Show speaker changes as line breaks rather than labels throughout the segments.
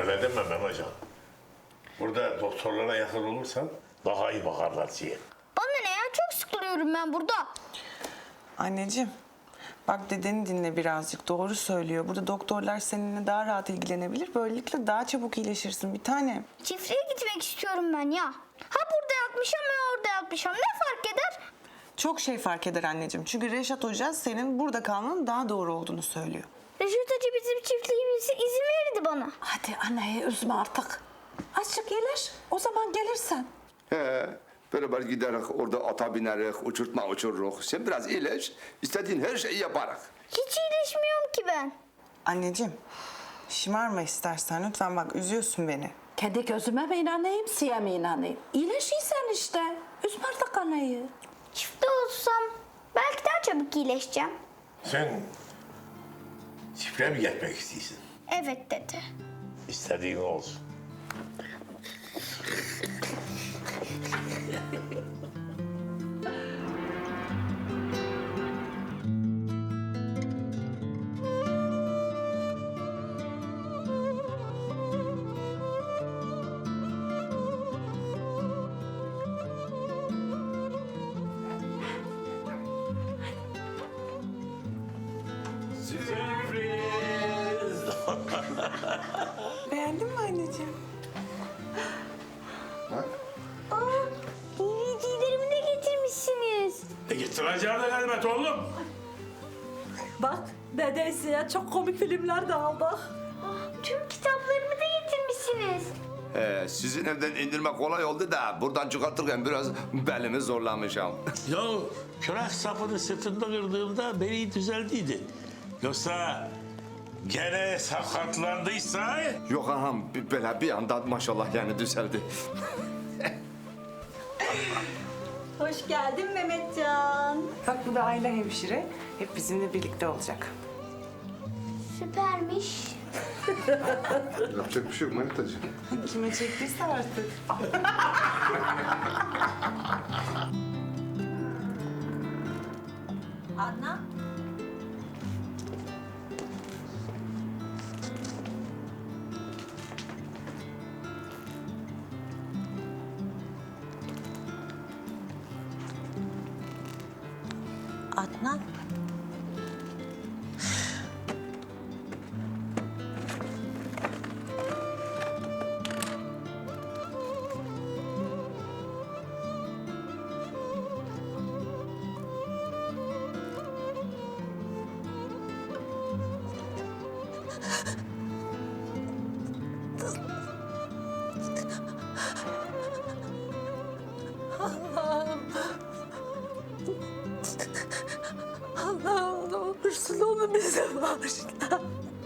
Öyle deme Mehmetcan. Burada doktorlara yakın olursan daha iyi bakarlar size.
Bana ne ya? Çok sıkılıyorum ben burada.
Anneciğim, bak dedeni dinle birazcık. Doğru söylüyor. Burada doktorlar seninle daha rahat ilgilenebilir. Böylelikle daha çabuk iyileşirsin bir tanem.
Çiftliğe gitmek istiyorum ben ya. Ha burada yatmışam ya orada yatmışam. Ne fark eder?
Çok şey fark eder anneciğim. Çünkü Reşat Hoca senin burada kalmanın daha doğru olduğunu söylüyor.
Reşat Hoca bizim çiftliğimize izin verdi bana.
Hadi anneyi üzme artık. Azıcık iyileş, o zaman gelirsen.
He, beraber giderek orada ata binerek, uçurtma uçururuz. Sen biraz iyileş, istediğin her şeyi yaparak.
Hiç iyileşmiyorum ki ben.
Anneciğim, şımarma istersen. Lütfen bak üzüyorsun beni.
Kendi gözüme mi inanayım, size mi inanayım? İyileşiysen işte. Üzme artık anneyi.
Çiftli olsam belki daha çabuk iyileşeceğim.
Sen çiftliğe mi gitmek istiyorsun?
Evet dedi.
İstediğin olsun.
Beğendin mi anneciğim?
DVD'lerimi de getirmişsiniz.
Getireceğim de elbet oğlum.
Bak, dedeysiye çok komik filmler de aldık.
Tüm kitaplarımı da getirmişsiniz.
Sizin evden indirmek kolay oldu da buradan çıkartırken biraz belimi zorlamışım.
Ya külah sapını sırtında kırdığımda beni düzeldiydi. Yoksa gene sakatlandıysa...
Yok ağam, böyle bir anda maşallah yani düzeldi.
Hoş geldin Mehmetcan.
Bak bu da Ayla hemşire. Hep bizimle birlikte olacak.
Süpermiş.
Yapacak bir şey yok Manitacığım.
Kime çektiyse artık.
Adnan. Adnan.
Allah'ım ne olursun onu bize bağışla.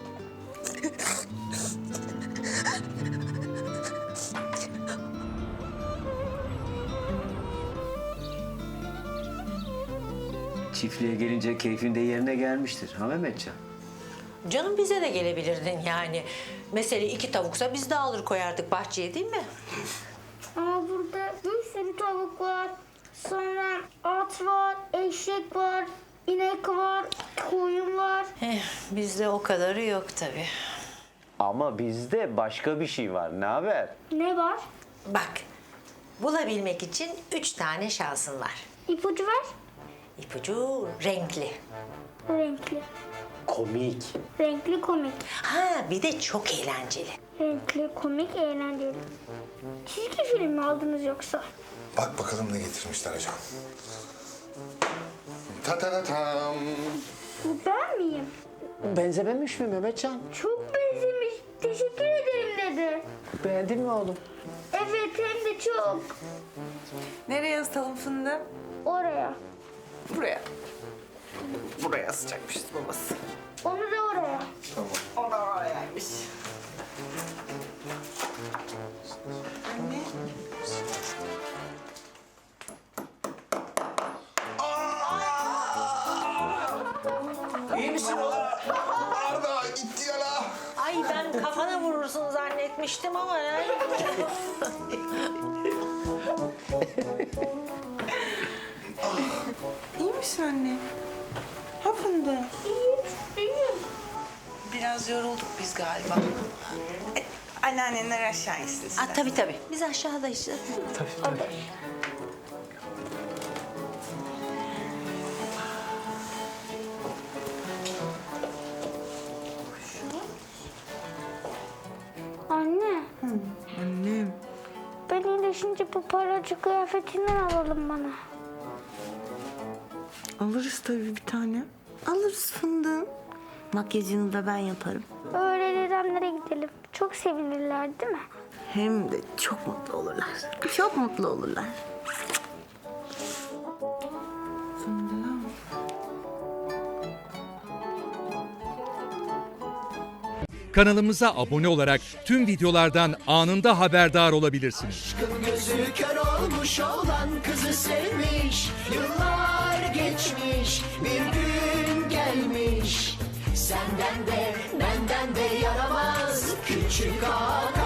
Çiftliğe gelince keyfin de yerine gelmiştir. Ha Mehmetcan?
Canım bize de gelebilirdin yani. Mesele 2 tavuksa biz de alır koyardık bahçeye değil mi?
Ama burada bir sürü tavuk var. Sonra at var, eşek var, inek var, koyun var.
Bizde o kadarı yok tabii.
Ama bizde başka bir şey var. Ne haber?
Ne var?
Bak, bulabilmek için 3 tane şansın var.
İpucu ver.
İpucu renkli.
Renkli.
Komik.
Renkli komik.
Ha bir de çok eğlenceli.
Renkli komik eğlenceli. Çizgi film mi aldınız yoksa?
Bak bakalım ne getirmişler hocam. Ta ta ta tam.
Bu ben miyim?
Benzememiş mi Mehmetcan?
Çok benzemiş. Teşekkür ederim dedi.
Beğendin mi oğlum?
Evet hem de çok.
Nereye ısıtalım fındığı?
Oraya.
Buraya. Buraya asacakmışız babası.
Onu da oraya.
O da orayaymış. Anne.
İyi misin oğlum?
Arda gitti ya la.
Ay ben kafana vurursun zannetmiştim ama yani.
İyi misin anne? Ha fındığı?
İyiyim.
Biraz yorulduk biz galiba. anneannenler aşağı insin.
Aa, tabii. Biz aşağıda işte.
Anne,
Annem.
ben iyileşince bu paracı kıyafetinden alalım bana.
Alırız tabii bir tane. Alırız fındığım. Makyajını da ben yaparım.
Öğretmenlere gidelim. Çok sevinirler değil mi?
Hem de çok mutlu olurlar. Çok mutlu olurlar. Fındığım.
Kanalımıza abone olarak tüm videolardan anında haberdar olabilirsiniz.
Gözü kör olmuş olan kızı sevmiş. Yıllar geçmiş, bir gün gelmiş. Senden de benden de yaramaz küçük ağa.